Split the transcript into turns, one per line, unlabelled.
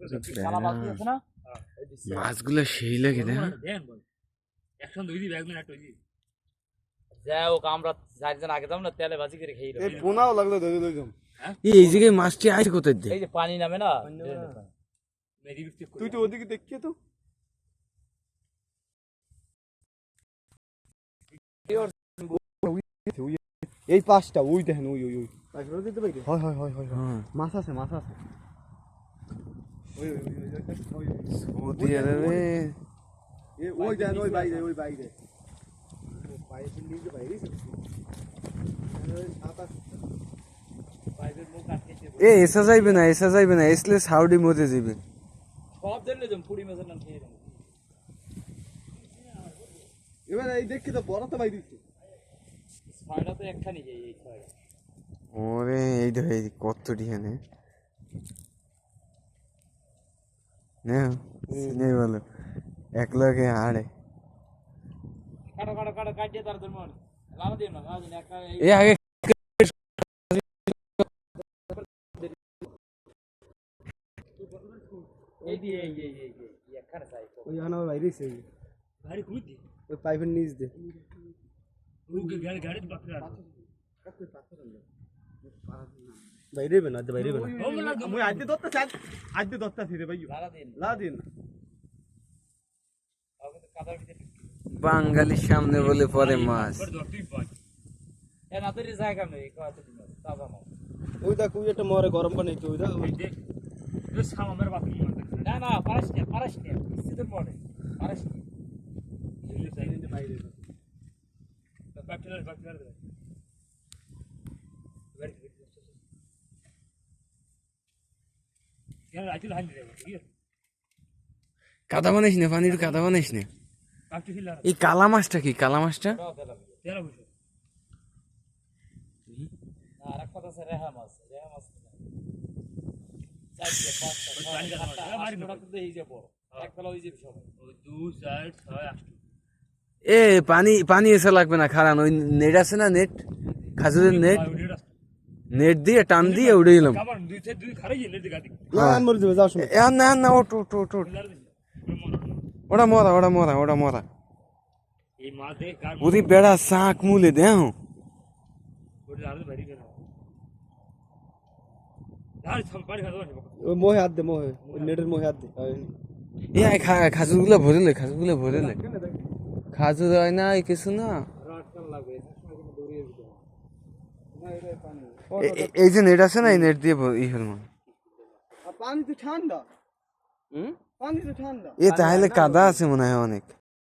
মাছগুলো সেই লাগে না
যাই হোক আমরা 4 জন আগে যাম না তেলে ভাজি করে খেয়ে
এই পোনাও লাগলো ধরে লইলাম।
এই জায়গায় মাছটি আইছে কোথায় দিয়ে?
এই যে পানি নামে না
তুই তো ওদিকে দেখিয়ে তো এই পাঁচটা ওই দেখেন ওই ওই ওই হয় হয় হয় হয় মাছ আছে মাছ আছে
সৌদি আরবে
ওই দেখেন ওই বাইরে
এ এসা যাইবে না এসলে সাউডি মধ্যে যাবে
সব জেনে যাম পুরি মাছের নাম খেয়ে যাম
এবার এই দেখি তো বড় তো বাইরে
ছয়টা তো একখানি যাই এই ছয়টা
ওরে এই তো এই কত ডিহানে না সিনে বলো এক লগে আড়ে
কাটো কাটিয়ে তার ধর্ম লালা দিও না লালা দিন একটা
এ আগে
এই দিয়ে এই একখানে চাই
ওই আনা বাইরে সে
ভারী খুঁজি
ওই পাইপের নিচ দে
গাড়ি বাকরা
বাইরে বেনা বাইরে বেনা মই আজকে দত্তা রে ভাই লা দিন
কাদার ভিতরে
বাঙালির সামনে বলে পরে মাছ
এ না তোর জায়গা নেই কত দিন তাজা মাছ
ওই দা কুই একটা মরে গরম পানি তো ওই দা
সামামের বাকি না পারাস নে সিধে পড়ে পারাস নে এই সাইডে বাইরে বাকলার यार आजल हाल रे ठीक है
কাদা বানাইস না পানির কাদা বানাইস না
কাটি খিলা
এই কালা মাছটা কি কালা মাছটা
তেরা বুঝো না আর কথা আছে রেহা মাছ চাইছে পাঁচটা পানি কাদা মাছ মারি না তো এই যে বড় এক ফেলা হই যাবে সবাই ওই 2 4 6 8
এ পানি এসে লাগবে না খারান ওই নেট আছে না নেট খাজুরের নেট দিয়ে টান দিয়ে উড়ে গেলাম
কাবার দুই খারাই নেট দিগা দিক
না মরে যাবে যাও শুনে
না ওট ওটা মরা
এই মাছ দে কার
ওদি বেড়া শাক মুলে দেও
ওটা আর ভারী কেন আর সম্পারি খাওয়া
ওই মোহে হাত দে মোহে ওই নেটের মোহে হাত দে
এ খাজুরগুলো ভরে লে খাজুর হয় না কিছু না এই যে নেট আছে না এই নেট দিয়ে ই হল
পানি তো ঠান্ডা পানি তো ঠান্ডা
এ তাহলে কাদা আছে মনে হয় অনেক